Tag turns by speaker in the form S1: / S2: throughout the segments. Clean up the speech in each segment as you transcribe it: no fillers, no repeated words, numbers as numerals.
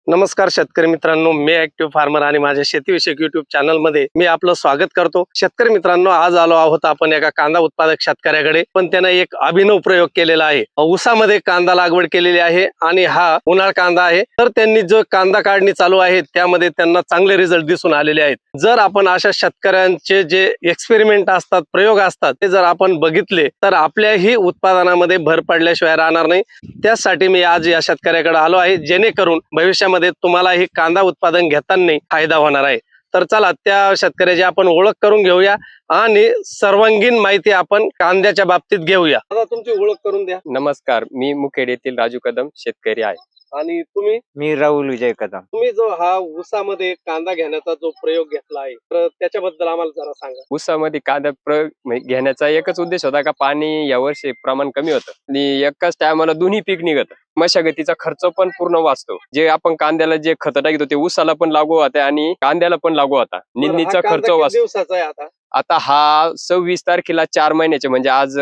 S1: नमस्कार शेतकरी मित्रांनो, मी ऍक्टिव्ह फार्मर आणि माझ्या शेतीविषयक युट्यूब चॅनल मध्ये मी आपलं स्वागत करतो। शेतकरी मित्रांनो, आज आलो आहोत आपण एका कांदा उत्पादक शेतकऱ्याकडे, पण त्याने एक अभिनव प्रयोग केलेला आहे। ऊसामध्ये कांदा लागवड केलेली आहे आणि हा उन्हाळ कांदा आहे। तर त्यांनी जो कांदा काढणी चालू आहे त्यामध्ये त्यांना चांगले रिझल्ट दिसून आलेले आहेत। जर आपण अशा शेतकऱ्यांचे जे एक्सपेरिमेंट असतात, प्रयोग असतात, ते जर आपण बघितले तर आपल्याही उत्पादनामध्ये भर पडल्याशिवाय राहणार नाही। त्यासाठी मी आज या शेतकऱ्याकडे आलो आहे, जेणेकरून भविष्यामध्ये तुम्हाला ही कांदा उत्पादन घेताना फायदा होणार आहे। तर चला त्या शेतकऱ्याची आपण ओळख करून घेऊया आणि सर्वांगीण माहिती आपण कांद्याच्या बाबतीत घेऊया। आता तुमची ओळख करून द्या।
S2: नमस्कार, मी मुखेड येथील राजू कदम शेतकरी आहे।
S1: आणि तुम्ही?
S3: मी राहुल विजय कदम।
S1: तुम्ही जो हा ऊसामध्ये कांदा घेण्याचा जो प्रयोग घेतला आहे तर त्याच्याबद्दल आम्हाला जरा सांगा।
S2: ऊसामध्ये कांदा प्रयोग घेण्याचा एकच उद्देश होता का पाणी यावर्षी प्रमाण कमी होतं आणि एकाच टायमाला दोन्ही पीक निघत, मशागतीचा खर्च पण पूर्ण वाचतो। जे आपण कांद्याला जे खत टाकतो ते ऊसाला पण लागू होते आणि कांद्याला पण लागू होता। निंदीचा खर्च वाचतो।
S1: दिवसाचा आहे
S2: आता हा 26 तारखेला 4 महिन्याचे म्हणजे आज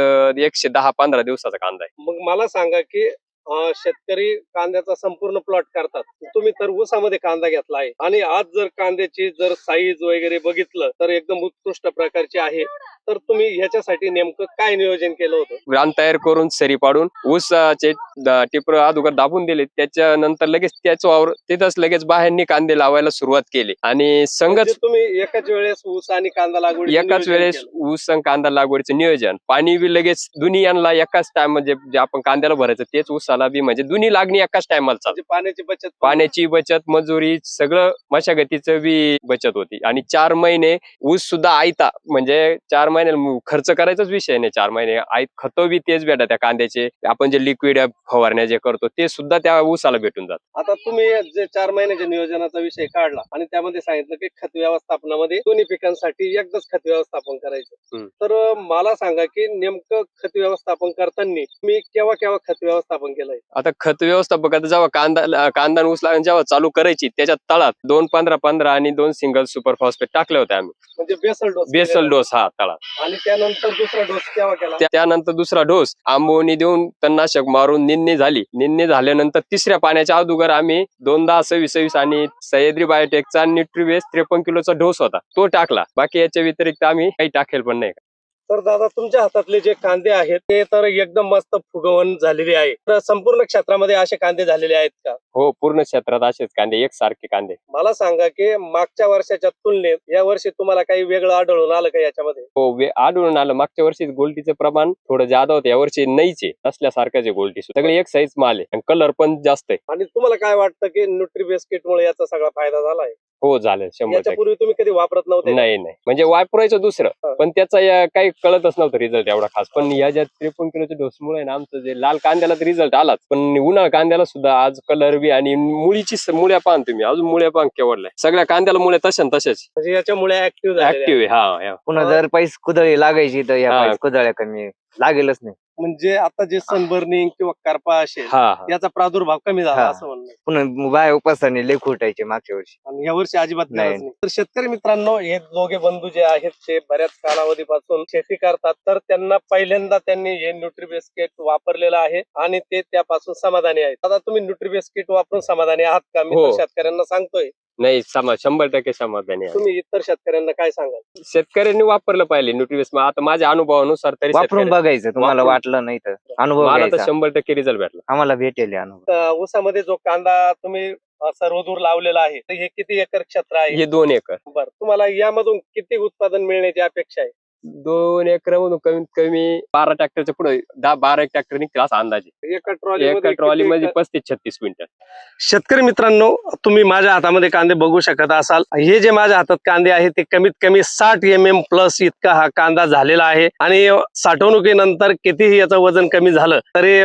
S2: 110-15 दिवसाचा कांदा आहे।
S1: मग मला सांगा की शेतकरी कांद्याचा संपूर्ण प्लॉट करतात, तुम्ही तर ऊसामध्ये कांदा घेतला आहे आणि आज जर कांद्याची जर साईज वगैरे बघितलं तर एकदम उत्कृष्ट प्रकारची आहे। तर तुम्ही ह्याच्यासाठी नेमकं काय नियोजन केलं होतं?
S2: रान तयार करून सरी पाडून ऊसाचे टिपर अगोदर दाबून दिले, त्याच्यानंतर लगेच त्याच वावर तिथंच लगेच बाहेरनी कांदे लावायला सुरुवात केली आणि संगच
S1: तुम्ही एकाच वेळेस ऊस आणि कांदा लागवड
S2: एकाच वेळेस ऊस आणि कांदा लागवडीचं नियोजन, पाणी बी लगेच दोन्ही यांना एकाच टाइम म्हणजे जे आपण कांद्याला भरायचं तेच ऊसाला बी, म्हणजे दोन्ही लागणी एकाच टायमाला चालते। पाण्याची बचत, मजुरी, सगळं मशागतीचं बी बचत होती आणि 4 महिने ऊस सुद्धा आयता, म्हणजे 4 महिने खर्च करायचाच विषय नाही। 4 महिने आयत खत बी तेच भेटा, त्या कांद्याचे आपण जे लिक्विड फवारण्या जे करतो ते सुद्धा त्या ऊसाला भेटून जात।
S1: आता तुम्ही जे 4 महिन्याच्या नियोजनाचा विषय काढला आणि त्यामध्ये सांगितलं की खत व्यवस्थापनामध्ये दोन्ही पिकांसाठी एकदाच खत व्यवस्थापन करायचं, तर मला सांगा की नेमकं खत व्यवस्थापन करताना मी केव्हा केव्हा खत व्यवस्थापन केलंय?
S2: आता खत व्यवस्थापक जेव्हा कांदा ऊस लागण जेव्हा चालू करायची त्याच्या तळात 2-15-15 आणि 2 सिंगल सुपर फॉस्फेट टाकले होते आम्ही,
S1: म्हणजे
S2: बेसल डोस हा तळात।
S1: आणि त्यानंतर दुसरा डोस केव्हा केला?
S2: त्यानंतर दुसरा डोस आंबोनी देऊन तणनाशक मारून निंदणी झाली। निंदणी झाल्यानंतर तिसऱ्या पाण्याच्या अगोदर आम्ही 2 26 आणि सह्याद्री बायोटेकचा न्यूट्रीबेस 53 किलोचा डोस होता तो टाकला। बाकी याच्या व्यतिरिक्त आम्ही काही टाकेल पण नाही।
S1: तर दादा, तुमच्या हातातले जे कांदे आहेत ते तर एकदम मस्त फुगवण झालेली आहे। तर संपूर्ण क्षेत्रामध्ये असे कांदे झालेले आहेत का?
S2: हो, पूर्ण क्षेत्रात असेच कांदे, एकसारखे कांदे।
S1: मला सांगा की मागच्या वर्षाच्या तुलनेत या वर्षी तुम्हाला काही वेगळं आढळून आलं का याच्यामध्ये?
S2: हो, आढळून आलं। मागच्या वर्षी गोल्टीचं प्रमाण थोडं जादा होतं, यावर्षी नाहीचे, असल्यासारखंच आहे गोल्टी, सगळे एक साईज माल आहे आणि कलर पण जास्त आहे।
S1: आणि तुम्हाला काय वाटतं की न्यूट्रीबेस किटमुळे याचा सगळा फायदा झालाय?
S2: हो, झालं 100%।
S1: याच्यापूर्वी तुम्ही कधी वापरत नव्हते?
S2: नाही, म्हणजे वापरायचं दुसरं, पण त्याचा काही कळतच नव्हतं रिझल्ट एवढा खास। पण या ज्या 53 किलोच्या डोसमुळे ना आमचं जे लाल कांद्याला रिझल्ट आलाच, पण उन्हाळ कांद्याला सुद्धा आज कलर बी आणि मुळीची मुळ्या पान, तुम्ही अजून मुळ्या पान केवढलाय, सगळ्या कांद्याला मुळे तसेच,
S1: म्हणजे याच्यामुळे ऍक्टिव्ह
S2: आहे। हा,
S3: पुन्हा जर पैस कुदळी लागायची तर या पैस कुदळ्या कमी लागेलच नाही।
S1: म्हणजे आता जे सनबर्निंग किंवा करपा असेल याचा प्रादुर्भाव कमी झाला असं म्हणणं?
S3: पुन्हा बाय उपासाने लय फुटायचे मागच्या वर्षी
S1: आणि या वर्षी अजिबात
S3: नाही।
S1: तर शेतकरी मित्रांनो, हे दोघे बंधू जे आहेत ते बऱ्याच कालावधीपासून शेती करतात, तर त्यांना पहिल्यांदा त्यांनी हे न्यूट्रीबेस किट वापरलेलं आहे आणि ते त्यापासून समाधानी आहेत। आता तुम्ही न्यूट्रीबेस किट वापरून समाधानी आहात का? मी तर शेतकऱ्यांना सांगतोय
S2: नाही, 100% समाधानी आहे।
S1: तुम्ही इतर शेतकऱ्यांना काय सांगाल?
S2: शेतकऱ्यांनी वापरलं पाहिजे न्यूट्रीबेस। आता माझ्या अनुभवानुसार तरी
S3: वापरून बघायचं, तुम्हाला वाटलं नाही तर अनुभव
S2: मला तर
S3: घ्यायचा।
S2: 100% रिझल्ट भेटला,
S3: आम्हाला भेटेल अनुभव।
S1: ऊसामध्ये जो कांदा तुम्ही सर्वदूर लावलेला आहे, तर हे किती एकर क्षेत्र आहे?
S2: हे 2 एकर।
S1: बरं, तुम्हाला यामधून किती उत्पादन मिळण्याची अपेक्षा आहे?
S2: 2 एकरामधून कमीत कमी 12 ट्रॅक्टरच्या पुढे 10-12 ट्रॅक्टर निघतील असं अंदाजे।
S1: एका
S2: ट्रॉली मध्ये 35-36 क्विंटल।
S1: शेतकरी मित्रांनो, तुम्ही माझ्या हातामध्ये कांदे बघू शकत असाल। हे जे माझ्या हातात कांदे आहेत ते कमीत कमी 60 mm प्लस इतका हा कांदा झालेला आहे आणि साठवणुकीनंतर कितीही याचं वजन कमी झालं तरी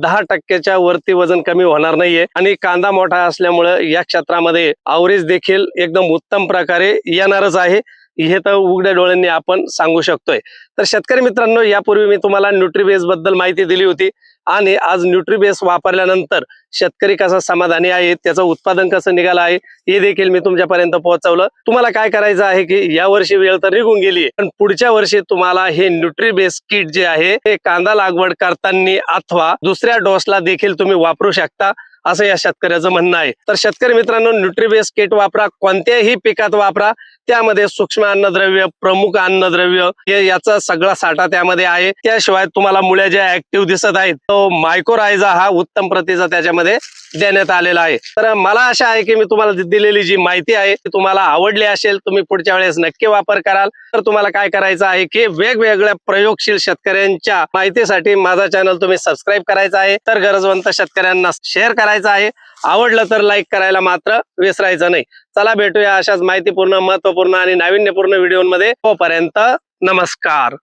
S1: 10% वरती वजन कमी होणार नाहीये आणि कांदा मोठा असल्यामुळे या क्षेत्रामध्ये आवरेज देखील एकदम उत्तम प्रकारे येणारच आहे, हे तर उघड्या डोळ्यांनी आपण सांगू शकतोय। तर शेतकरी मित्रांनो, यापूर्वी मी तुम्हाला न्यूट्रीबेस बद्दल माहिती दिली होती आणि आज न्यूट्रीबेस वापरल्यानंतर शेतकरी कसा समाधानी आहे, त्याचं उत्पादन कसं निघालं आहे हे देखील मी तुमच्यापर्यंत पोहोचवलं। तुम्हाला काय करायचं आहे की या वर्षी वेळ तर निघून गेली, पण पुढच्या वर्षी तुम्हाला हे न्यूट्रीबेस किट जे आहे ते कांदा लागवड करताना अथवा दुसऱ्या डोसला देखील तुम्ही वापरू शकता असं या शेतकऱ्याचं म्हणणं आहे. तर शेतकरी मित्रांनो, न्यूट्रीबेस किट वापरा, कोणत्याही पिकात वापरा. त्यामध्ये सूक्ष्म अन्नद्रव्य, प्रमुख अन्नद्रव्य हे याचा सगळा साठा त्यामध्ये आहे. त्याशिवाय तुम्हाला मुळ्या ज्या ऍक्टिव्ह दिसत आहेत तो मायक्रोरायझा हा उत्तम प्रतीचा त्याच्यामध्ये देण्यात आलेला आहे. तर मला आशा आहे की मी तुम्हाला दिलेली जी माहिती आहे ती तुम्हाला आवडली असेल. तुम्ही पुढच्या वेळेस नक्की वापर कराल. तर तुम्हाला काय करायचं आहे की वेगवेगळ्या प्रयोगशील शेतकऱ्यांच्या माहितीसाठी माझा चॅनल तुम्ही सबस्क्राईब करायचा आहे. तर गरजवंत शेतकऱ्यांना शेअर करायचा आहे. आवडलं तर लाईक करायला मात्र विसरायचं नाही. चला भेटूया अशाच माहितीपूर्ण, महत्वपूर्ण आणि नाविन्यपूर्ण व्हिडिओमध्ये. तोपर्यंत नमस्कार.